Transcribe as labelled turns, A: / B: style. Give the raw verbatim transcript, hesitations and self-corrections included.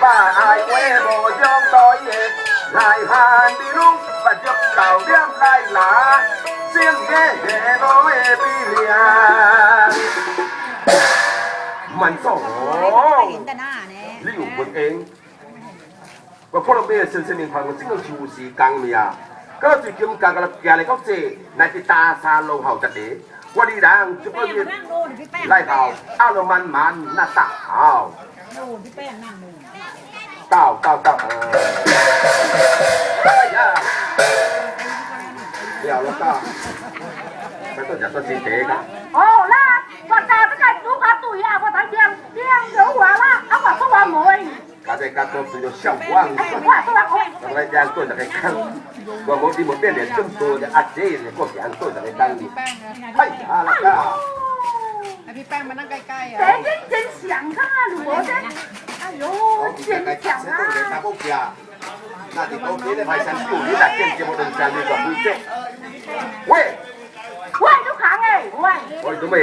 A: 把爱为无将代耶，来汉的路不足九点来拿，先给无的比量。มันสอง你有本應，我可能咩先生年朋友整個舊時講咩啊？嗰最近講個嘢嚟講啫，乃係大山路後特地，我哋人就可以來後阿羅慢慢那大好。到到到，哎呀，了了到，ไม่ต้องจัดตัวสีเตะกัน
B: 哦啦，我打这个猪肝对啊，我当天天有我啦，啊我说我没。
A: การได้การตัวสุดยอดช่างว่างเราได้ยางตัวจากไอ้ข้างว่าบางทีมันเป็นเนี่ยจุ่มตัวจะอัดเจ๊เนี่ยก็ยางตัวจากไอ้ตั้งนี่ไอ้อะไรก็
C: ให้พี่แป้งมานั่งใกล้ๆอ่ะ
B: 这真真香啊，我这，哎呦，真香啊！
A: 那你都别的排山树，你那见这么多山，你ก็不见。喂，
B: 喂，都行哎，喂。
A: 我都没。